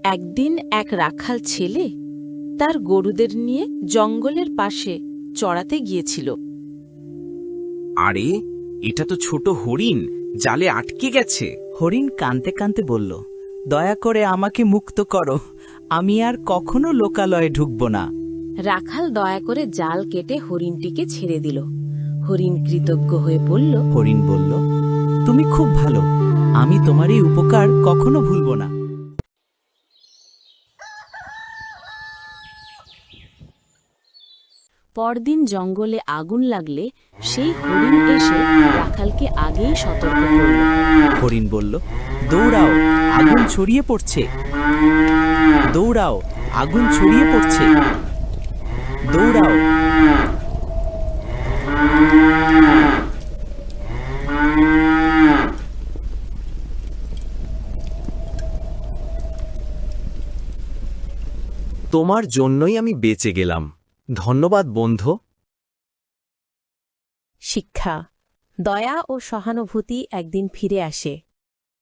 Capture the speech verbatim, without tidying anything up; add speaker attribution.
Speaker 1: একদিন এক রাখাল ছেলে তার গরুদের নিয়ে জঙ্গলের পাশে চড়াতে গিয়েছিল।
Speaker 2: আরে, এটা তো ছোট হরিণ, জালে আটকে গেছে।
Speaker 3: হরিণ কাঁদতে কাঁদতে বলল, দয়া করে আমাকে মুক্ত করো, আমি আর কখনো লোকালয়ে ঢুকব না।
Speaker 1: রাখাল দয়া করে জাল কেটে হরিণটিকে ছেড়ে দিল। হরিণ কৃতজ্ঞ হয়ে বলল,
Speaker 3: হরিণ বলল, তুমি খুব ভালো, আমি তোমার এই উপকার কখনো ভুলব না।
Speaker 1: পরদিন জঙ্গলে আগুন লাগলে সেই হরিণ এসে রাখালকে আগেই সতর্ক করল।
Speaker 3: হরিণ বলল, দৌড়াও, আগুন ছড়িয়ে পড়ছে, দৌড়াও, আগুন ছড়িয়ে পড়ছে, দৌড়াও।
Speaker 2: তোমার জন্যই আমি বেঁচে গেলাম, ধন্যবাদ বন্ধু।
Speaker 1: শিক্ষা: দয়া ও সহানুভূতি একদিন ফিরে আসে,